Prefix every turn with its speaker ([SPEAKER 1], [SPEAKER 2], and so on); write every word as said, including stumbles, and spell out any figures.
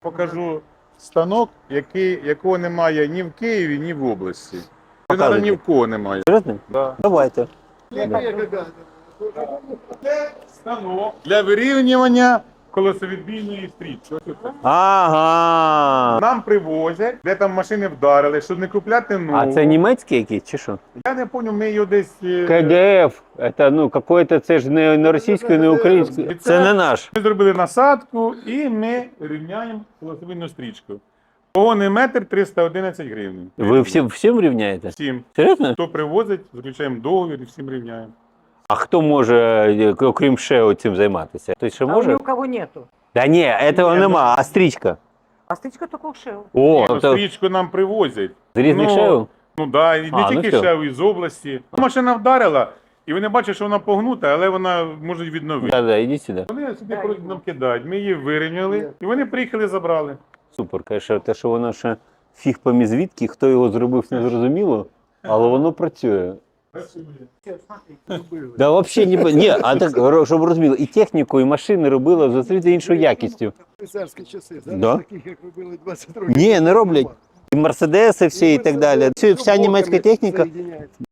[SPEAKER 1] Покажу станок, який, якого немає ні в Києві, ні в області.
[SPEAKER 2] Показуйте.
[SPEAKER 1] Ні в кого немає.
[SPEAKER 2] Серйозно?
[SPEAKER 1] Да.
[SPEAKER 2] Давайте.
[SPEAKER 1] Станок для вирівнювання колесовідбійної стрічки.
[SPEAKER 2] Ага.
[SPEAKER 1] Нам привозять, де там машини вдарили, щоб не купляти нову.
[SPEAKER 2] А це німецький якийсь чи що?
[SPEAKER 1] Я не пам'ятаю, ми його десь... е,
[SPEAKER 2] КДФ. Це ну какой-то, це ж не, не російською, не українською. Це не наш.
[SPEAKER 1] Ми зробили насадку і ми рівняємо колесовідну стрічку. Погонний метр триста одинадцять гривень.
[SPEAKER 2] Ви всім, всім рівняєте?
[SPEAKER 1] Всім.
[SPEAKER 2] Серйозно?
[SPEAKER 1] Хто привозить, заключаємо договір і всім рівняємо.
[SPEAKER 2] А хто може, окрім ШЕО, цим займатися? Хтось ще
[SPEAKER 3] А
[SPEAKER 2] може?
[SPEAKER 3] ни у кого нету.
[SPEAKER 2] Да ні, цього
[SPEAKER 1] Ні,
[SPEAKER 2] нема, а стрічка.
[SPEAKER 3] А стычка только у Шео.
[SPEAKER 2] О,
[SPEAKER 1] Ну,
[SPEAKER 2] тобто
[SPEAKER 1] стрічку нам привозять.
[SPEAKER 2] з різних
[SPEAKER 1] ну,
[SPEAKER 2] ШЕО?
[SPEAKER 1] Ну так, да, і не
[SPEAKER 2] А, ну
[SPEAKER 1] тільки
[SPEAKER 2] все.
[SPEAKER 1] ще із області. Машина вдарила, і вони бачать, що вона погнута, але вона може відновити.
[SPEAKER 2] Да, да, ідіть сюди.
[SPEAKER 1] Вони собі просто нам кидають. Ми її вирівняли, і вони приїхали, забрали.
[SPEAKER 2] Супер, конечно, те, що воно ще фіг помі звідки, хто його зробив, не зрозуміло, але воно працює. Да, взагалі не ні, а так, щоб розуміло, і техніку, і машини робили в зустріти іншою якістю.
[SPEAKER 4] Царські часи. Зараз
[SPEAKER 2] Да?
[SPEAKER 4] таких, як робили двадцять років.
[SPEAKER 2] Ні, не роблять. І мерседеси всі і так далі. Вся, вся німецька техніка.
[SPEAKER 4] Соєдиняється.